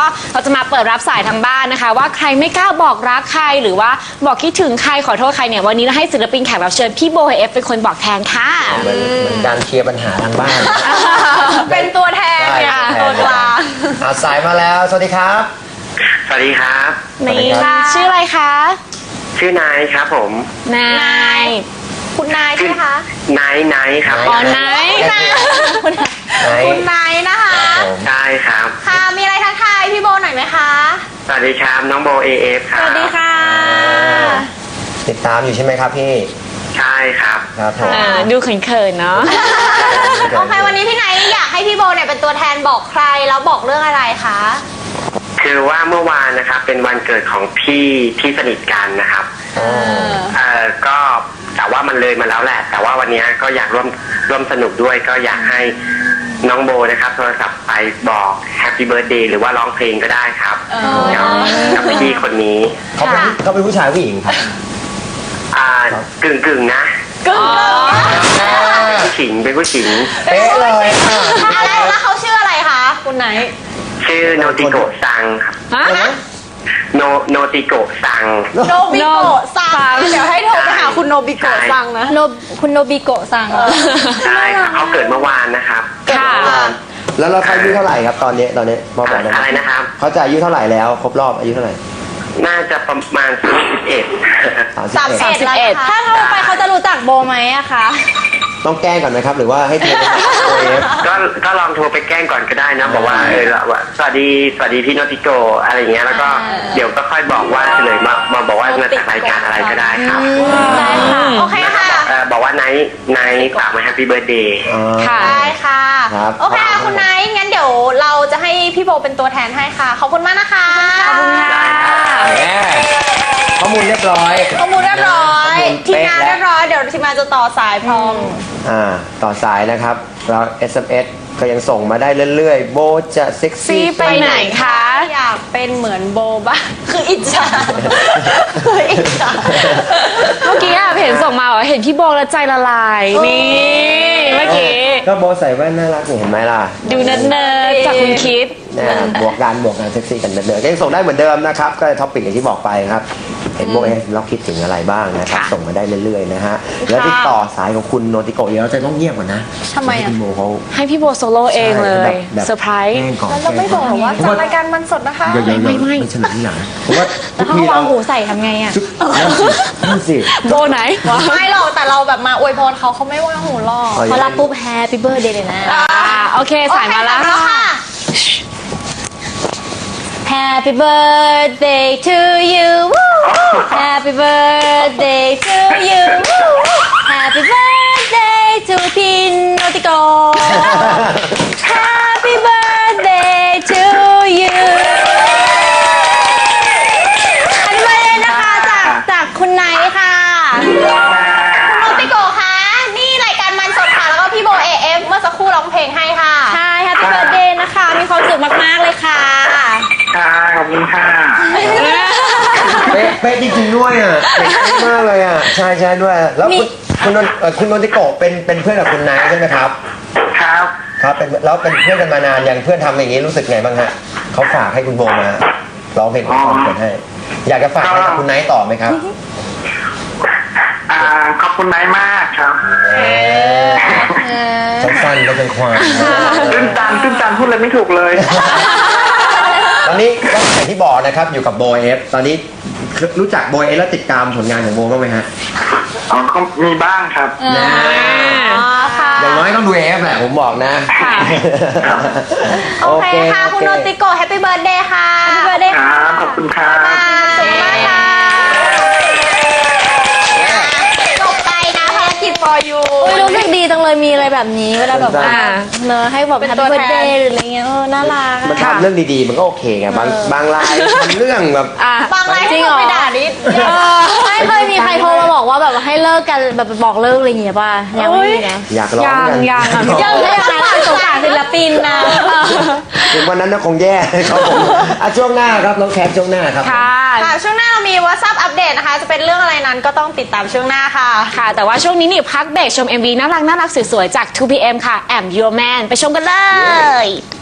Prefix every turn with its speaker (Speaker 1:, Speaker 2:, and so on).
Speaker 1: เราจะมาเปิดรับสายทางบ้านนะคะ ว่าใครไม่กล้าบอกรักใครหรือว่าบอกคิดถึงใครขอโทษใครเนี่ยวันนี้เราให้ศิลปินแขกรับเชิญพี่โบเอฟเป็นคนบอกแทนค่ะ
Speaker 2: เหมือนการเคลียร์ปัญหาทางบ้าน
Speaker 3: เป็นตัวแทนเนี่ยตัวกลาง
Speaker 2: สายมาแล้วสวัสดีครับ
Speaker 4: สวัสดีครับ
Speaker 1: นี่ชื่ออะไรคะ
Speaker 4: ชื่อนายครับผม
Speaker 1: นาย
Speaker 3: คุณนายใช่ไหมคะ
Speaker 4: นายครับ
Speaker 1: อ๋อนาย
Speaker 3: คุณนายนะคะ
Speaker 4: ใช่ครับ
Speaker 3: ค่ะมีอะไรทักทายพี่โบหน่อยไหมคะ
Speaker 4: สวัสดีครับน้องโบAF ครับ
Speaker 3: สวัสดีค่ะ
Speaker 2: ติดตามอยู่ใช่ไหมครับพี่
Speaker 4: ใช่ครับ
Speaker 2: ครับผม
Speaker 1: ดูเขินๆเนาะ
Speaker 3: โอเควันนี้พี่นายอยากให้พี่โบเนี่ยเป็นตัวแทนบอกใครแล้วบอกเรื่องอะไรคะ
Speaker 4: คือว่าเมื่อวานนะครับเป็นวันเกิดของพี่ที่สนิทกันนะครับก็แต่ว่ามันเลยมาแล้วแหละแต่ว่าวันนี้ก็อยากร่วมสนุกด้วยก็อยากให้น้องโบนะครับโทรศัพท์ไปบอกแฮปปี้เบิร์ธเดย์หรือว่าร้องเพลงก็ได้ครับกับพี่คนนี้
Speaker 2: เขาเป็นผู้ชายผู้หญิงครับ
Speaker 4: กึ่งนะผู้หญิงเป็นผู้หญิง
Speaker 2: เป๊ะเลย
Speaker 3: แล้วเขาชื่ออะไรคะคุณไหน
Speaker 4: ชื่อโนติโกะซังครับโนติโกะซัง
Speaker 3: โนบิโกะซังเดี๋ยวให้โทรไปหาคุณโนบิโกะซังนะคุณโนบิโกะซัง
Speaker 4: ใช่ครับเขาเกิดเมื่อวานนะครับ
Speaker 1: ค่ะ
Speaker 2: แล้วเราเขาอายุเท่าไหร่ครับตอนนี้บอกได้ไหม
Speaker 4: อะไรนะครับ
Speaker 2: เขาจะอายุเท่าไหร่แล้วครบรอบอายุเท่าไหร่
Speaker 4: น่าจะประมาณ
Speaker 3: 31ถ้าโทรไปเขาจะรู้จักโบไหมอะคะ
Speaker 2: ต้องแกล้งก่อนไหมครับหรือว่าให้โทร
Speaker 4: ก็ลองโทรไปแกล้งก่อนก็ได้นะบอกว่าสวัสดีพี่โนติโกอะไรอย่างเงี้ยแล้วก็เดี๋ยวก็ค่อยบอกว่าเฉลยมาบอกว่ามาจากรายการอะไรก็ได้ครับ
Speaker 3: ได้ค่ะโอเคค่ะ
Speaker 4: บอกว่าไนท์ฝากมาแฮปปี้เบิร์ธเดย์
Speaker 3: ค่ะได้ค่ะโอเคค่ะคุณไนท์งั้นเดี๋ยวเราจะให้พี่โบเป็นตัวแทนให้ค่ะขอบคุณมากนะคะ
Speaker 1: ขอบคุณค่ะ
Speaker 2: ข้อมูลเรียบร้อย
Speaker 3: ทีมงานเรียบร้อยเดี๋ยวทีมงานจะต่อสายพร้อม
Speaker 2: ต่อสายนะครับแล้ว SMS ก็ยังส่งมาได้เรื่อยๆโบจะเซ็กซี่
Speaker 1: ไปไหนคะ
Speaker 3: อยากเป็นเหมือนโบบ้างคืออิจฉา
Speaker 1: เมื่อกี้เห็นส่งมาเห็นพี่โบแล้วใจละลายนี่เมื่อกี้
Speaker 2: ก็โบใส่แว่นน่ารักเห็นไหมล่ะ
Speaker 1: ดูเนิร์ดจากคุณคิด
Speaker 2: บวกกันเซ็กซี่กันเนิร์ดก็ยังส่งได้เหมือนเดิมนะครับก็ท็อปปิกอย่างที่บอกไปครับเห็นโบเราคิดถึงอะไรบ้างนะครับส่งมาได้เรื่อยๆนะฮะแล้วติดต่อสายของคุณโนติโกะเดี๋ยวเราจะต้องเงียบก่อนนะ
Speaker 3: ทำไมอ่ะ
Speaker 1: ให้พี่โบโซโล่เองเลยเซอร์ไพรส์
Speaker 3: แล้วเราไม่บอกว่าจากรายการมันสดนะคะ
Speaker 2: ไม่เฉลยที่หลังเพราะว่า
Speaker 3: แล้วเขาวางหูใส่ทำไงอ่ะ
Speaker 2: นั่นสิ
Speaker 1: โบไหน
Speaker 3: ไม่หรอกแต่เราแบบมาอวยพรเขาไม่วางหูหรอกพอรับปุ๊บแฮปปี้เบิร์ธเดย์เลยนะ
Speaker 1: โอเคสายมาแล้วค่ะ
Speaker 3: Happy birthday to you Happy birthday to you Happy birthday to พี่โนติโก Happy birthday to you อันนี้เลยนะคะจากคุณไนท์ค่ะคุณโนติโกคะนี่รายการมันสดค่ะแล้วก็พี่โบAFเมื่อสักครู่ร้องเพลงให้ค่ะใช่ Happy birthday นะคะมีความสุขมากๆเลยค่ะ
Speaker 4: ขอบคุณค่ะ
Speaker 2: เป๊ะจริงๆด้วยอ่ะเป๊ะมากเลยอ่ะใช่ด้วยแล้วคุณนนทิโกะเป็นเพื่อนกับคุณนายใช่ไหมครับครับแล้วเป็นเพื่อนกันมานานอย่างเพื่อนทำอย่างนี้รู้สึกไงบ้างฮะเขาฝากให้คุณโบมาร้องเพลงของเขาเปิดให้อยากจะฝากให้กับคุณนายต่อไหมครับ
Speaker 4: ขอบคุณนายมากครับ
Speaker 2: สั้นๆก็เป็นความ
Speaker 4: ตื้นตันพูดเลยไม่ถูกเลย
Speaker 2: ตอนนี้ก็อย่างที่บอกนะครับอยู่กับโบเอฟตอนนี้รู้จักโบเอฟแล้วติดตามผลงานของโบบ้างไหมฮะ
Speaker 4: ก็มีบ้างครับ
Speaker 2: อย่างน้อยต้องดูเอฟแหละผมบอกนะ
Speaker 3: โอเคค่ะคุณโนติโกะแฮปปี้เบิร์ธเดย์ค่ะแฮปปี้เบิร์ธเดย์ค่ะ
Speaker 4: ขอบคุณครับ
Speaker 3: สุขมากค่ะจบไปนะภารกิจ for you รู้สึกดีจังเลยมีอะไรแบบนี้เวลาแบบว่าเนอะให้แบบแฮปปี้เบิร์ธเดย์หรืออะไรเงี้ยน่ารัก
Speaker 2: มันทำเรื่องดีๆมันก็โอเคไงบางรายทำเรื่องแบบ
Speaker 3: บางรายจริงเหรอไปด่านิดไม่เคยมีใครโทรมาบอกว่าแบบให้เลิกกันแบบบอกเลิกอะไรอย่างเงี้ยป่ะยังไม่มีนะ
Speaker 2: อยากร้องกัน
Speaker 1: ยัง
Speaker 3: สงสารศิลปินนะ
Speaker 2: ถึงวันนั้นน่าคงแย่ครับผมช่วงหน้าครับน้องแคปช่วงหน้าครับ
Speaker 3: ค่ะช่วงหน้าเรามี WhatsApp อัปเดตนะคะจะเป็นเรื่องอะไรนั้นก็ต้องติดตามช่วงหน้าค่ะ
Speaker 1: แต่ว่าช่วงนี้นี่พักเบรกชม MV น่ารักสวยๆจาก 2PM ค่ะ I'm Your Man ไปชมกันเลย